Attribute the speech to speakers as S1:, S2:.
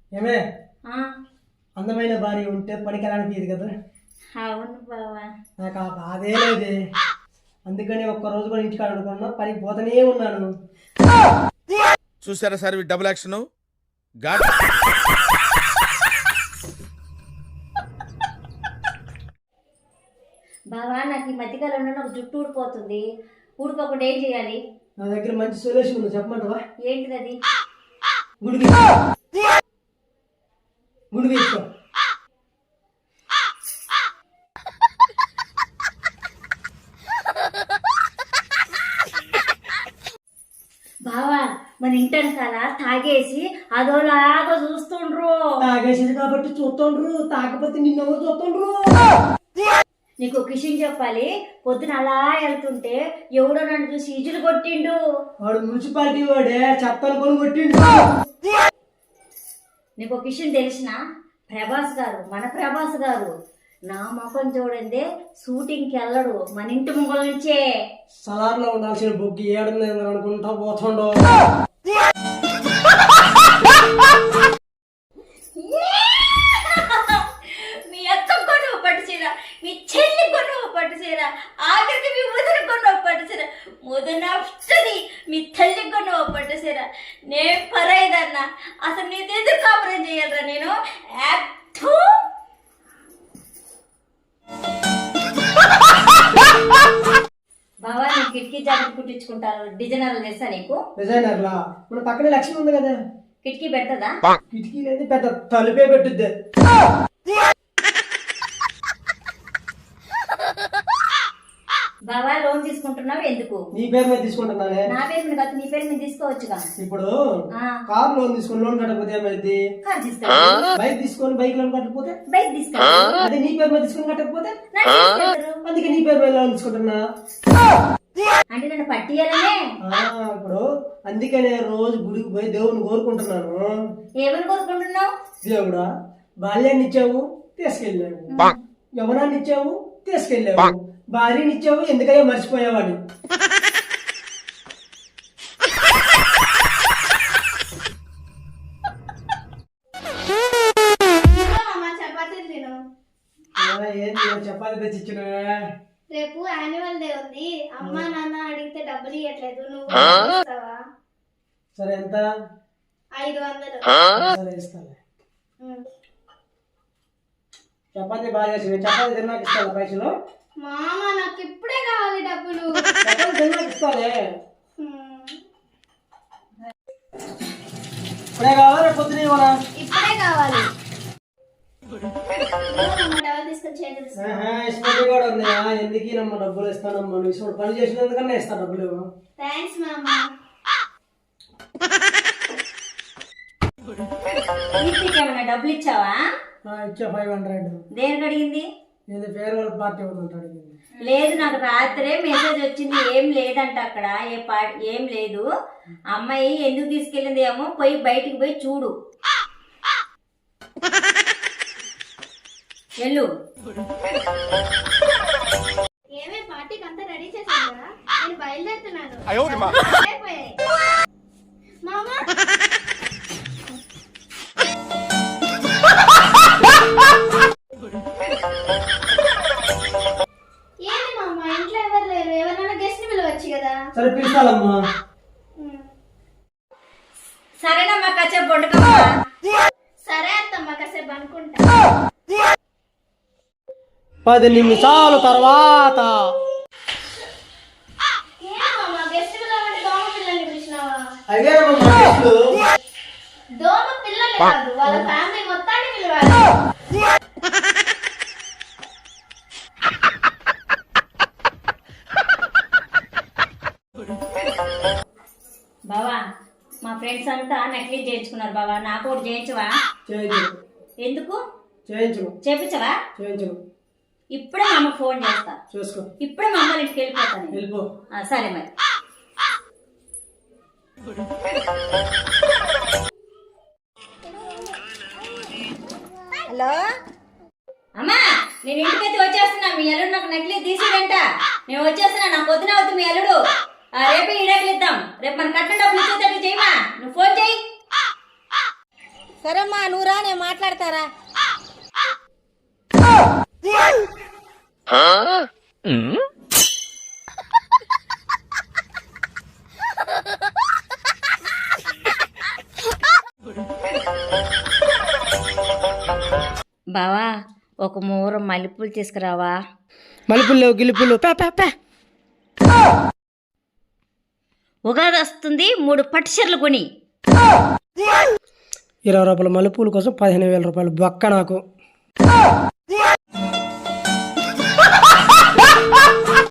S1: ఏమే అందమైన భార్య ఉంటే పనికి వెళ్ళానిది కదా.
S2: అవును బావా,
S1: నాకు ఆ బాధే లేదే. అందుకని ఒక్కరోజు కూడా ఇంటికాడ అనుకున్నా, పనికి పోతూనే ఉన్నాను.
S3: చూసారా సార్ డబుల్ యాక్షన్.
S2: బావా నాకు ఈ మధ్యకాలంలో నాకు జుట్టు ఊడిపోతుంది. ఊడిపోకుండా ఏం చేయాలి?
S1: నా దగ్గర మంచి సొల్యూషన్ ఉంది, చెప్పమంటావా?
S2: ఏంటిది అది?
S1: గుడికి గుడికి ఇస్తాం.
S2: బావా మన ఇంటనకాల తాగేసి అదోలాగా చూస్తుండ్రు.
S1: తాగేసేది కాబట్టి చూస్తుండ్రు, తాకపోతే నిన్నెవరు చూస్తుండ్రు?
S2: నీకు ఒక విషయం చెప్పాలి. పొద్దున అలా వెళ్తుంటే ఎవడో నన్ను చూసి ఈజులు కొట్టిండు.
S1: వాడు మున్సిపాలిటీ వాడే, చెత్త అనుకొని కొట్టిండు.
S2: నీకు ఒక విషయం తెలిసిన? ప్రభాస్ గారు, మన ప్రభాస్ గారు నా ముఖం చూడండి షూటింగ్కి వెళ్ళడు, మన ఇంటి ముంగల నుంచే.
S1: సలార్లో ఉండాల్సిన బొగ్గి ఏడుంది అనుకుంటా పోతుండో.
S2: మీ అక్క కొను పట్టు చీర, మీ చెల్లి కొను పట్టు చీర, ఆఖరికి మీ ముదన కొను పట్టు చీర, ముదన వస్తుంది మీ తల్లి కొను పట్టు చీర. నేను పరాయిదన్నా, అసలు నీ ఎదురు కాపురం చేయాలరా నేను. బావా నేను కిటికీ జాకెట్ కుట్టించుకుంటాను, డిజైనర్లు తెలుసా నీకు?
S1: డిజైనర్లా? మన పక్కనే లక్ష్మి ఉంది కదా,
S2: కిటికీ పెడతదా?
S1: కిటికీ లేదు, పెద్ద తలుపే పెట్టుద్ది.
S2: బావా లోన్ తీసుకుంటున్నావు ఎందుకు?
S1: నీ పేరు మీద తీసుకుంటున్నానే.
S2: నా పేరు మీద కాదు, నీ పేరు మీద తీసుకోవచ్చుగా.
S1: ఇప్పుడు కార్ లోన్ తీసుకొని లోన్ కట్టకపోతే ఏమైంది?
S2: కార్ తీసుకో.
S1: బైక్ తీసుకొని బైక్ లోన్ కట్టకపోతే?
S2: బైక్ తీసుకో.
S1: అదే నీ పేరు మీద తీసుకొని కట్టకపోతే? అందుకే నీ పేరు మీద లోన్ తీసుకుంటున్నా.
S2: అంటే నన్ను పట్టియాలనే.
S1: ఇప్పుడు అందుకనే రోజు గుడికి పోయి దేవుని కోరుకుంటున్నాను.
S2: ఏమని కోరుకుంటున్నావు?
S1: దేవుడా, బాల్యాన్ని ఇచ్చావు తీసుకెళ్ళావు, యవనాన్ని ఇచ్చావు తీసుకెళ్ళావు, భార్యని ఇచ్చావు ఎందుకయ్యా మర్చిపోయావని. చపాతి తెచ్చిచ్చిన.
S4: రేపు యాన్యువల్ డే ఉంది, అమ్మా నాన్న అడిగితే డబ్బులు ఇవ్వట్లేదు, నువ్వు ఇస్తావా?
S1: సరే ఎంత?
S4: 500.
S1: సరే ఇస్తాను. చపాతి బాగా చేసి చపాతి తిన్నాక ఇస్తాను పైసలు.
S4: మామ నాకు ఇప్పుడే కావాలి డబ్బులు.
S1: చపాతి తిన్నాక ఇస్తానే. ఇప్పుడే కావాలి, పొద్దున ఇవ్వనా?
S4: ఇప్పుడే కావాలి.
S1: ఇష్టం కూడా ఉన్నాయా? ఎందుకు నమ్మ డబ్బులు ఇస్తానమ్మా, నువ్వు ఇష్టం పని చేసినందుకన్నా ఇస్తా డబ్బులు.
S4: థ్యాంక్స్ మామ.
S2: ఏమన్నా డబ్బులు ఇచ్చావా?
S1: ఇచ్చా 500.
S2: దేనికి అడిగింది?
S1: ఇది ఫేర్వెల్ పార్టీ అవుతుంది అడిగింది.
S2: లేదు, నాకు రాత్రే మెసేజ్ వచ్చింది, ఏం లేదంట అక్కడ, ఏం లేదు. అమ్మాయి ఎందుకు తీసుకెళ్ళింది ఏమో, పోయి బయటికి పోయి చూడు. వెళ్ళు.
S4: ఏమే పార్టీకి అంతా రెడీ చేసావా? నేను బయలుదేరుతున్నాను. మామ ఏంటి మామ ఇంట్లో ఎవరు లేరు, ఎవరైనా గెస్ట్ పిలవచ్చు కదా.
S1: సరే పిలుస్తానమ్మా.
S2: సరేనమ్మా, కాసేపు వండుకోమ్మా.
S4: సరే అత్తమ్మ, కాసేపు అనుకుంటా.
S1: 10 నిమిషాల తర్వాత.
S4: గెస్ట్ పిల్లలంటే దోమ పిల్లల్ని పిలిచినావా?
S1: అదే
S4: దోమ పిల్లలు కాదు, వాళ్ళ ఫ్యామిలీ మొత్తాన్ని పిలవాలి.
S2: బావా మా ఫ్రెండ్స్ అంతా నకిలీ చేయించుకున్నారు బావా, నాకు ఒకటి చేయించవా? ఎందుకు చేయించవా? ఇప్పుడే మా అమ్మకు ఫోన్ చేస్తా, ఇప్పుడే మా అమ్మ ఇంటికి వెళ్ళిపోతాను. సరే మరి. హలో అమ్మా, నేను ఇంటికైతే వచ్చేస్తున్నా. మీ అల్లుడు నాకు నకిలీ తీసిడంట, నేను వచ్చేస్తున్నా. నా పొద్దున అవుతుంది మీ అల్లుడు. రేపు ఈడకలిద్దాం. రేపు మన కట్టిన డబ్బులు ఇచ్చేటట్టు చేయమా, నువ్వు ఫోన్ చేయి. సరేమ్మా నువ్వు రా నేను మాట్లాడతారా. బావా ఒక మూర మల్లెపూలు తీసుకురావా.
S1: మలుపులు లేవు గిలుపులు
S2: ఉగాది వస్తుంది 3 పట్టు చీరలు కొని.
S1: 20 రూపాయల మలుపుల కోసం 15,000 రూపాయలు బొక్క నాకు.